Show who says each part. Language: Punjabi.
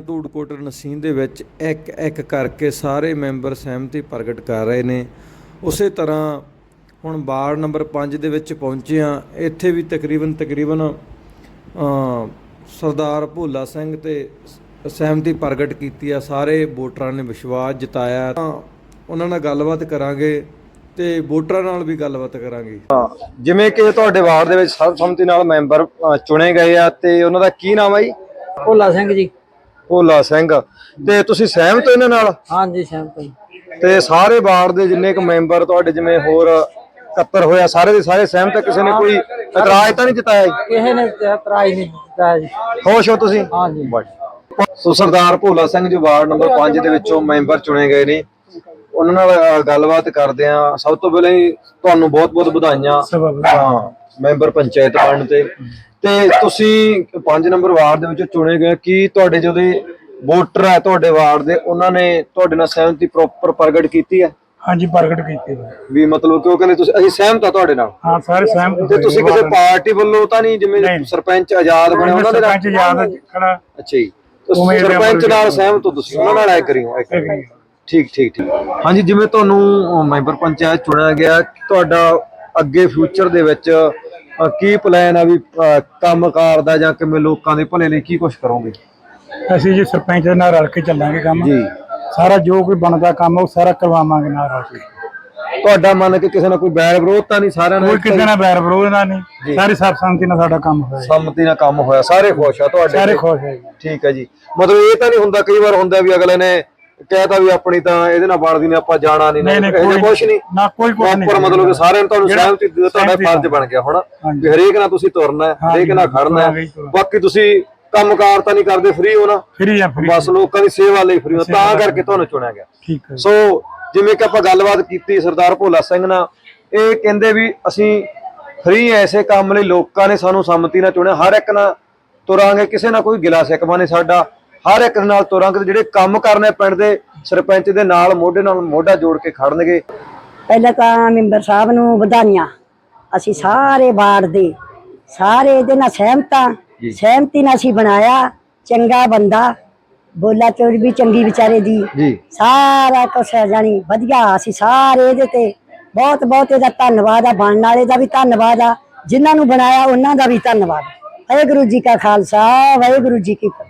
Speaker 1: ਧੂੜਕੋਟ ਨਸੀਨ ਦੇ ਵਿੱਚ ਇੱਕ ਇੱਕ ਕਰਕੇ ਸਾਰੇ ਮੈਂਬਰ ਸਹਿਮਤੀ ਪ੍ਰਗਟ ਕਰ ਰਹੇ ਨੇ। ਉਸੇ ਤਰ੍ਹਾਂ ਹੁਣ ਵਾਰਡ ਨੰਬਰ 5 ਦੇ ਵਿੱਚ ਪਹੁੰਚੇ ਹਾਂ। ਇੱਥੇ ਵੀ ਤਕਰੀਬਨ ਸਰਦਾਰ ਭੋਲਾ ਸਿੰਘ ਤੇ ਸਹਿਮਤੀ ਪ੍ਰਗਟ ਕੀਤੀ ਆ। ਸਾਰੇ ਵੋਟਰਾਂ ਨੇ ਵਿਸ਼ਵਾਸ ਜਤਾਇਆ। ਤਾਂ ਉਹਨਾਂ ਨਾਲ ਗੱਲਬਾਤ ਕਰਾਂਗੇ ਤੇ ਵੋਟਰਾਂ ਨਾਲ ਵੀ ਗੱਲਬਾਤ ਕਰਾਂਗੇ।
Speaker 2: ਜਿਵੇਂ ਕਿ ਤੁਹਾਡੇ ਵਾਰਡ ਦੇ ਵਿੱਚ ਸਰਬਸੰਮਤੀ ਨਾਲ ਮੈਂਬਰ ਚੁਣੇ ਗਏ ਆ ਤੇ ਉਹਨਾਂ ਦਾ ਕੀ ਨਾਮ ਹੈ ਜੀ?
Speaker 3: ਭੋਲਾ ਸਿੰਘ ਜੀ।
Speaker 2: ਭੋਲਾ ਸਿੰਘ। ਤੇ ਤੁਸੀਂ ਸਹਿਮਤ ਹੋ ਇਹਨਾਂ ਨਾਲ?
Speaker 3: ਹਾਂਜੀ ਸਹਿਮਤ ਜੀ।
Speaker 2: ਤੇ ਸਾਰੇ ਵਾਰਡ ਦੇ ਜਿੰਨੇ ਕੁ ਮੈਂਬਰ ਤੁਹਾਡੇ ਜਿਵੇਂ ਹੋਰ ਇਕੱਤਰ ਹੋਇਆ ਸਾਰੇ ਦੇ ਸਾਰੇ ਸਹਿਮਤ ਆ? ਕਿਸੇ ਨੇ ਕੋਈ ਇਤਰਾਜ਼ ਤਾਂ ਨਹੀਂ ਜਤਾਇਆ ਜੀ?
Speaker 3: ਕਿਸੇ ਨੇ ਇਤਰਾਜ਼ ਨਹੀਂ ਜਤਾਇਆ ਜੀ।
Speaker 2: ਖੁਸ਼ ਹੋ ਤੁਸੀਂ?
Speaker 3: ਹਾਂਜੀ।
Speaker 2: ਸੋ ਸਰਦਾਰ ਭੋਲਾ ਸਿੰਘ ਜੋ ਵਾਰਡ ਨੰਬਰ 5 ਦੇ ਵਿੱਚੋਂ ਮੈਂਬਰ ਚੁਣੇ ਗਏ ਨੇ, ਉਹਨਾਂ ਨਾਲ ਗੱਲਬਾਤ ਕਰਦੇ ਆ। ਸਭ ਤੋਂ ਪਹਿਲਾਂ ਹੀ ਤੁਹਾਨੂੰ ਬਹੁਤ-ਬਹੁਤ ਵਧਾਈਆਂ ਮੈਂਬਰ ਪੰਚਾਇਤ ਬਣਨ ਤੇ ਤੁਸੀਂ 5 ਨੰਬਰ ਵਾਰਡ ਦੇ ਵਿੱਚੋਂ ਚੁਣੇ ਗਏ। ਕੀ ਤੁਹਾਡੇ ਜਿਹੜੇ ਵੋਟਰ ਹੈ ਤੁਹਾਡੇ ਵਾਰਡ ਦੇ, ਉਹਨਾਂ ਨੇ ਤੁਹਾਡੇ ਨਾਲ ਸਹਿਮਤੀ ਪ੍ਰੋਪਰ ਪ੍ਰਗਟ ਕੀਤੀ ਹੈ?
Speaker 4: ਹਾਂਜੀ ਪ੍ਰਗਟ ਕੀਤੀ
Speaker 2: ਵੀ ਮਤਲਬ ਕਿ ਉਹ ਕਹਿੰਦੇ ਤੁਸੀਂ ਅਸੀਂ ਸਹਿਮਤ ਆ ਤੁਹਾਡੇ ਨਾਲ?
Speaker 4: ਹਾਂ ਸਾਰੇ ਸਹਿਮਤ।
Speaker 2: ਤੇ ਤੁਸੀਂ ਕਿਸੇ ਪਾਰਟੀ ਵੱਲੋਂ ਤਾਂ ਨਹੀਂ, ਜਿਵੇਂ ਸਰਪੰਚ ਆਜ਼ਾਦ ਬਣੇ ਉਹਨਾਂ ਦੇ ਨਾਲ?
Speaker 4: ਸਰਪੰਚ ਆਜ਼ਾਦ ਖੜਾ।
Speaker 2: ਅੱਛਾ ਜੀ। ਸਰਪੰਚ ਨਾਲ ਸਹਿਮਤ ਹੋ ਤੁਸੀਂ? ਉਹਨਾਂ ਨਾਲ ਐ ਕਰਿਓ। ਠੀਕ। ਹਾਂਜੀ, ਜਿਵੇਂ ਤੁਹਾਨੂੰ ਮੈਂਬਰ ਪੰਚਾਇਤ ਚੁਣਿਆ ਗਿਆ, ਤੁਹਾਡਾ ਅੱਗੇ ਫਿਊਚਰ ਦੇ ਵਿੱਚ ਕੀ ਪਲਾਨ ਆ? ਵੀ ਕੰਮਕਾਰ ਦਾ ਜਾਂ ਕਿਵੇਂ ਲੋਕਾਂ ਦੇ ਭਲੇ ਲਈ ਕੀ ਕੁਝ ਕਰੋਗੇ?
Speaker 4: ਅਸੀਂ ਜੀ ਸਰਪੰਚ ਦੇ ਨਾਲ ਰਲ ਕੇ ਚੱਲਾਂਗੇ ਕੰਮ
Speaker 2: ਜੀ।
Speaker 4: ਸਾਰਾ ਜੋ ਕੋਈ ਬਣਦਾ ਕੰਮ ਉਹ ਸਾਰਾ ਕਰਵਾਵਾਂਗੇ ਨਾਲ ਰਲ ਕੇ।
Speaker 2: ਤੁਹਾਡਾ ਮੰਨ ਕੇ ਕਿਸੇ ਨਾਲ ਕੋਈ ਬੈਰ ਵਿਰੋਧ ਤਾਂ ਨਹੀਂ? ਸਾਰਿਆਂ ਨਾਲ
Speaker 4: ਕੋਈ ਕਿਸੇ ਨਾਲ ਬੈਰ ਵਿਰੋਧ ਨਾਲ ਨਹੀਂ, ਸਾਰੀ ਸਰਬਸੰਮਤੀ ਨਾਲ ਸਾਡਾ ਕੰਮ ਹੋਇਆ।
Speaker 2: ਸੰਮਤੀ ਨਾਲ ਕੰਮ ਹੋਇਆ, ਸਾਰੇ ਖੁਸ਼ ਆ ਤੁਹਾਡੇ?
Speaker 4: ਸਾਰੇ ਖੁਸ਼ ਹੈ ਜੀ।
Speaker 2: ਠੀਕ ਹੈ ਜੀ। ਮਤਲਬ ਇਹ ਤਾਂ ਨਹੀਂ ਹੁੰਦਾ, ਕਈ ਵਾਰ ਹੁੰਦਾ ਵੀ ਅਗਲੇ ਨੇ ਕਹਿਤਾ ਵੀ ਆਪਣੀ ਤਾਂ ਇਹਦੇ ਨਾਲ ਬਣਦੀ ਨੇ, ਆਪਾਂ ਜਾਣਾ ਨਹੀਂ? ਕੁਛ ਨਹੀਂ ਨਾ, ਕੋਈ ਕੁਛ ਨਹੀਂ। ਮਤਲਬ ਕਿ ਸਾਰਿਆਂ ਨੂੰ ਤੁਹਾਨੂੰ ਸਹਿਮਤੀ ਤੁਹਾਡਾ ਫਰਜ਼ ਬਣ ਗਿਆ ਹੁਣ ਵੀ ਹਰੇਕ ਨਾਲ ਤੁਸੀਂ ਤੁਰਨਾ, ਹਰੇਕ ਨਾਲ ਖੜਨਾ। ਬਾਕੀ ਤੁਸੀਂ ਕੰਮਕਾਰ ਤਾਂ ਨਹੀਂ ਕਰਦੇ, ਫ੍ਰੀ ਹੋ ਨਾ?
Speaker 4: ਫ੍ਰੀ ਆ,
Speaker 2: ਬਸ ਲੋਕਾਂ ਦੀ ਸੇਵਾ ਲਈ ਫ੍ਰੀ ਹੋ, ਤਾਂ ਕਰਕੇ ਤੁਹਾਨੂੰ ਚੁਣਿਆ ਗਿਆ।
Speaker 4: ਠੀਕ ਹੈ।
Speaker 2: ਸੋ ਜਿਵੇਂ ਕਿ ਆਪਾਂ ਗੱਲਬਾਤ ਕੀਤੀ ਸਰਦਾਰ ਭੋਲਾ ਸਿੰਘ ਨਾਲ, ਇਹ ਕਹਿੰਦੇ ਵੀ ਅਸੀਂ ਫ੍ਰੀ ਐਸੇ ਕੰਮ ਲਈ ਲੋਕਾਂ ਨੇ ਸਾਨੂੰ ਸੰਮਤੀ ਨਾਲ ਚੁਣਿਆ। ਹਰ ਇੱਕ ਨਾਲ ਤੁਰਾਂਗੇ, ਕਿਸੇ ਨਾਲ ਕੋਈ ਗਿਲਾ ਸਿਕਵਾ ਨਹੀਂ ਸਾਡਾ। ਹਰ ਇੱਕ ਨਾਲ ਤੁਰਾਂਗੇ। ਜਿਹੜੇ ਕੰਮ ਕਰਨੇ ਪਿੰਡ ਦੇ ਸਰਪੰਚ ਦੇ ਨਾਲ ਮੋਢੇ ਨਾਲ ਮੋਢਾ ਜੋੜ ਕੇ ਖੜਨਗੇ।
Speaker 5: ਪਹਿਲਾਂ ਤਾਂ ਮੈਂਬਰ ਸਾਹਿਬ ਨੂੰ ਵਧਾਈਆਂ। ਅਸੀਂ ਸਾਰੇ ਵਾਰਡ ਦੇ ਸਾਰੇ ਇਹਦੇ ਨਾਲ ਸਹਿਮਤੀ ਨਾਲ ਅਸੀਂ ਬਣਾਇਆ। ਚੰਗਾ ਬੰਦਾ, ਬੋਲਾ ਚੋਰ ਵੀ ਚੰਗੀ ਵਿਚਾਰੇ ਦੀ, ਸਾਰਾ ਕੁਛ ਜਾਣੀ ਵਧੀਆ। ਅਸੀਂ ਸਾਰੇ ਇਹਦੇ ਤੇ ਬਹੁਤ ਇਹਦਾ ਧੰਨਵਾਦ ਆ। ਬਣਨ ਵਾਲੇ ਦਾ ਵੀ ਧੰਨਵਾਦ ਆ, ਜਿਨ੍ਹਾਂ ਨੂੰ ਬਣਾਇਆ ਉਹਨਾਂ ਦਾ ਵੀ ਧੰਨਵਾਦ। ਵਾਹਿਗੁਰੂ ਜੀ ਕਾ ਖਾਲਸਾ, ਵਾਹਿਗੁਰੂ ਜੀ ਕੀ ਫਤਿਹ।